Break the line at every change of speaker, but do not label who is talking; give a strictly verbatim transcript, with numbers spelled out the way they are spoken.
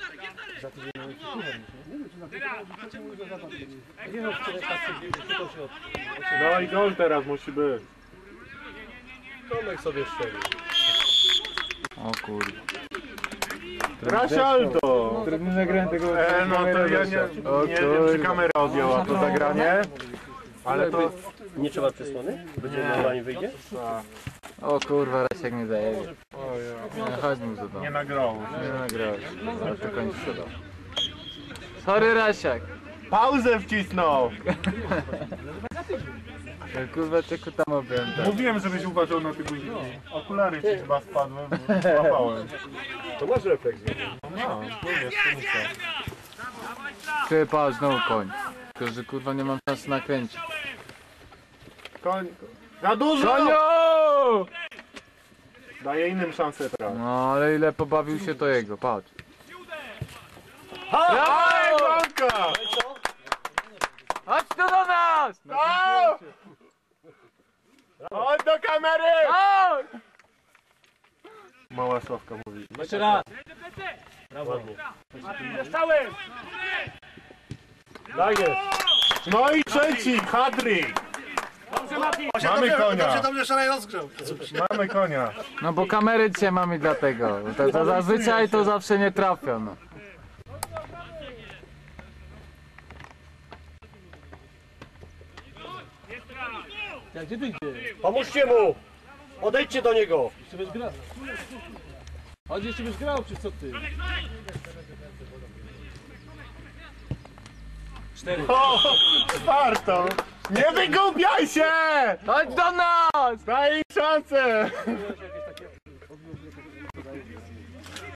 No i gol teraz musi być. Tomek sobie strzelił.
O kurde.
Rasialdo!
Trudny zagrałem tego.
E, no to ja nie, nie wiem, czy kamera odjęła to zagranie. Ale to...
Nie trzeba przesłony? Będzie normalnie wyjdzie?
O kurwa, Rasiak nie daje.
O ja.
No, chodź mu do domu.
Nie nagrało.
Nie nagrałeś. Ale to kończy sprzedał. Sorry, Rasiak.
Pauzę wcisnął!
Ja, kurwa, tylko tam objąłem.
Mówiłem, żebyś uważał na te guziki. Okulary ci chyba spadły, bo złapałem.
To masz refleks.
No, mówię, skrzynica.
Ty, patrz, znowu koń. Tylko, że kurwa nie mam szansy nakręcić.
Koń... Za dużo!
Koniu!
Daję innym szansę teraz.
No, ale ile pobawił się to jego, patrz.
Dawaj, bramka!
Chodź tu do nas!
No! Chodź do kamery!
Chodź!
Mała Sławka mówi.
Jeszcze raz.
Ładnie.
Dostałem!
Daję. No i trzeci, Hadryk. Mamy konia.
Dobrze, szalej rozgrzał.
Mamy konia.
No bo kamery dzisiaj mamy dlatego. To, to zazwyczaj to zawsze nie trafia, no.
Gdzie ty idziesz? Pomóżcie mu! Odejdźcie do niego! Jeszcze byś grał. Chodź, jeszcze byś grał, czy co ty? Cztery.
O, warto. Nie wygubiaj się!
Chodź do nas!
Daj im szansę!